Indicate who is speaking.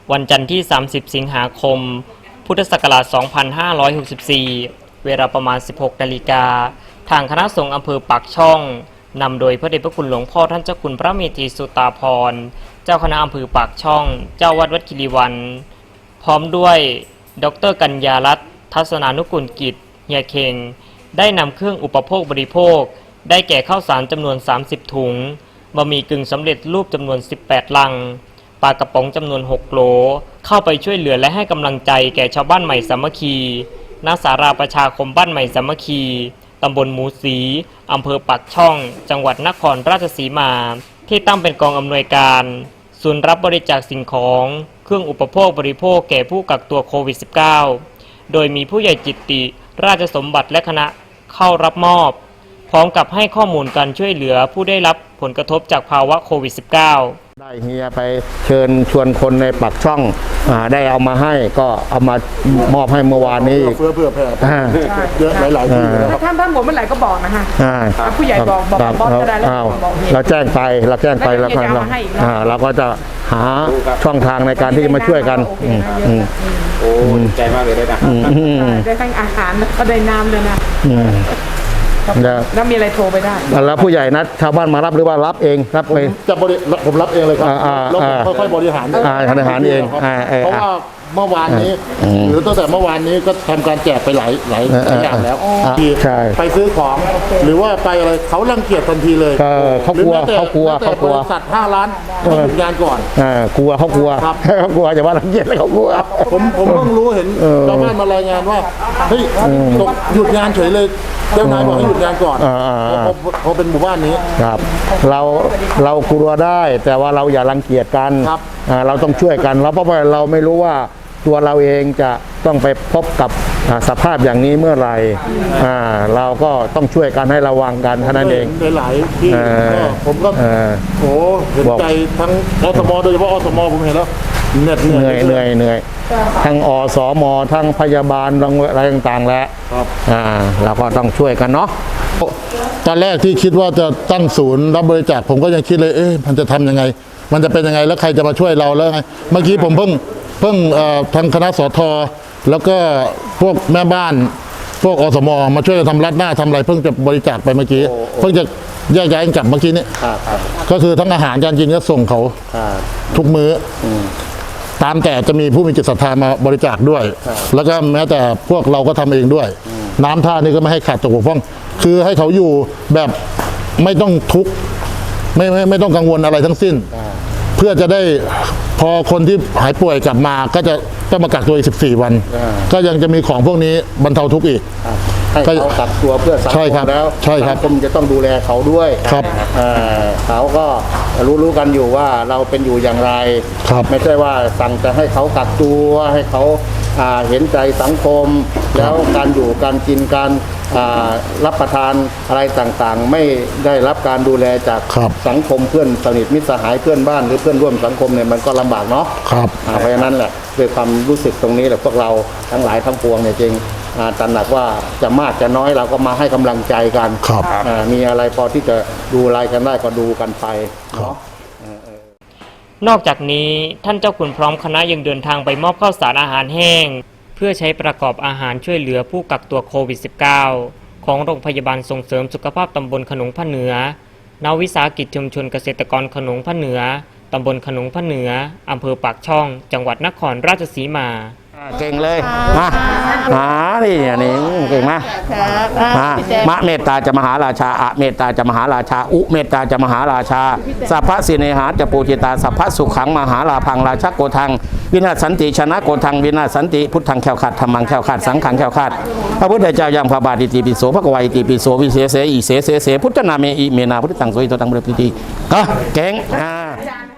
Speaker 1: วันจันทร์ที่ 30 สิงหาคม พุทธศักราช 2564 เวลาประมาณ 16 นาฬิกา ทางคณะสงฆ์อำเภอปากช่องนำโดยพระเดชพระคุณหลวงพ่อท่านเจ้าคุณพระเมธีสุตาภรณ์เจ้าคณะอำเภอปากช่อง เจ้าวัดคีรีวันพร้อมด้วยดร.กัญญารัตน์ทัศนานุกุลกิจเฮียเคงได้นำเครื่องอุปโภคบริโภคได้แก่ข้าวสารจำนวน 30 ถุงบะหมี่กึ่งสำเร็จรูปจำนวน 18 ลังปลากระป๋องจำนวน 6 โหลเข้าไปช่วยเหลือและให้กำลังใจแก่ชาวบ้านใหม่สามัคคีณศาลาประชาคมบ้านใหม่สามัคคีตำบลหมูสีอำเภอปากช่องจังหวัดนครราชสีมาที่ตั้งเป็นกองอำนวยการศูนย์รับบริจาคสิ่งของเครื่องอุปโภคบริโภคแก่ผู้กักตัวโควิด -19 โดยมีผู้ใหญ่จิตติราชสมบัติและคณะเข้ารับมอบพร้อมกับให้ข้อมูลการช่วยเหลือผู้ได้รับผลกระทบจากภาวะโควิด -19
Speaker 2: ได้เฮียไปเชิญชวนคนในปากช่องได้เอามาให้ก็เอามามอบให้เมื่อวานนี้
Speaker 3: เพื่อแผ่เยอะหลายๆที่นะครับ
Speaker 4: ท่านหมดเมื่อไหร่ก็บอกนะคะผู้ใหญ่บอกบอสก็ได้แล้ว
Speaker 2: เราแจ้งไปแล้วเราก็จะหาช่องทางในการที่จะมาช่วยกัน
Speaker 5: โอ้ใจมากเลยนะ
Speaker 4: ได้ทั้งอาหารก็ได้น้ำเลยนะแล้วมีอะไรโทรไปได้
Speaker 2: แล้วผู้ใหญ่นัดชาวบ้านมารับหรือว่ารับเองรับไป
Speaker 3: ผมรับเองเลยครับแล้วผมค่อยๆบริหาร
Speaker 2: เอง
Speaker 3: เพราะว่าเมื่อวานนี้หรือตั้งแต่เมื่อวานนี้ก็ทำการแจกไปหลายอย่างแล้วไปซื้อของหรือว่าไปอะไรเขารังเกียจทันทีเลย
Speaker 2: เขากลัว
Speaker 3: บริษัท5 ล้านให้หยุดงานก่อน
Speaker 2: กลัวเขากลัวอย่าว่ารังเกียจเลยเขากลัว
Speaker 3: ผมเพิ่งรู้เห็นชาวบ้านมารายงานว่าเฮ้ยหยุดงานเฉยเลยเจ้านายบอกให้หยุดงานก่อนพอเป็นหมู่บ้านนี้
Speaker 2: ครับเรากลัวได้แต่ว่าเราอย่ารังเกียจกันเราต้องช่วยกันเพราะว่าเราไม่รู้ว่าตัวเราเองจะต้องไปพบกับสภาพอย่างนี้เมื่อไหร่เราก็ต้องช่วยกันให้ระวังกันเท่านั้นเอง
Speaker 3: ในหลายที่ผมก็โอ้เห็นใจทั้งอสมโดยเฉพาะอสมผมเห็นแล้วเห
Speaker 2: นื่อยทั้งอสมทั้งพยาบาลอะไรต่างๆแล้วเราก็ต้องช่วยกันเนาะ
Speaker 3: ตอนแรกที่คิดว่าจะตั้งศูนย์รับบริจาคผมก็ยังคิดเลยมันจะทำยังไงมันจะเป็นยังไงแล้วใครจะมาช่วยเราแล้วไงเมื่อกี้ผมเพิ่งทางคณะสทแล้วก็พวกแม่บ้านพวกอสมมาช่วยทำรัดหน้าทำอะไรเพิ่งจะบริจาคไปเมื่อกี้เพิ่งจะแยกย้ายกันกลับเมื่อกี้นี้ก็คือทั้งอาหารการกินก็ส่งเขาทุกมื้อตามแต่จะมีผู้มีจิตศรัทธามาบริจาคด้วยแล้วก็แม้แต่พวกเราก็ทำเองด้วยน้ำท่านี่ก็ไม่ให้ขาดตกบกพร่องคือให้เขาอยู่แบบไม่ต้องทุกข์ไม่ต้องกังวลอะไรทั้งสิ้นเพื่อจะได้พอคนที่หายป่วยกลับมาก็จะต้องมากักตัวอีก14 วันก็ยังจะมีของพวกนี้บรรเทาทุกข์อีก
Speaker 5: ให้เขากักตัวเพื่อสังคมแล้วสังคมจะต้องดูแลเขาด้วย
Speaker 2: ครับ
Speaker 5: เขาก็รู้กันอยู่ว่าเราเป็นอยู่อย่างไรไม่ใช่ว่าสั่งจะให้เขากักตัวให้เขาเห็นใจสังคมแล้วการอยู่การกินการรับประทานอะไรต่างๆไม่ได้รับการดูแลจากสังคมเพื่อนสนิทมิตรสหายเพื่อนบ้านหรือเพื่อนร่วมสังคมเนี่ยมันก็ลำบากเนาะเพราะฉะนั้นแหละด้วยความรู้สึกตรงนี้แหละพวกเราทั้งหลายทั้งปวงเนี่ยจริงตระหนักว่าจะมากจะน้อยเราก็มาให้กำลังใจกันมีอะไรพอที่จะดูรายกันได้ก็ดูกันไปเนาะ
Speaker 1: นอกจากนี้ท่านเจ้าคุณพร้อมคณะยังเดินทางไปมอบข้าวสารอาหารแห้งเพื่อใช้ประกอบอาหารช่วยเหลือผู้กักตัวโควิด -19 ของโรงพยาบาลส่งเสริมสุขภาพตำบลขนงพระเหนือนวิสาหกิจชุมชนเกษตรกรขนงพระเหนือตำบลขนงพระเหนืออำเภอปากช่องจังหวัดนครราชสีมา
Speaker 2: เก่งเลยนี่เก่งมากมะเมตตาจะมหาราชาอะเมตตาจะมหาราชาอุเมตตาจะมหาราชาสัพพะสิเนหาจะปูจิตาสัพพะสุขังมหาลาพังราชโกทังวินาศสันติชนะโกทังวินาศสันติพุทธังแข็งขัดธรรมังแข็งขัดสังขังแข็งขัดพระพุทธเจ้ายังพระบาทอิติปิโสพระกวาอิติปิโสวิเศษอิเสพุทธนาเมอิเมนาพุทธังโสอิโตตังบริปิติก็เก่ง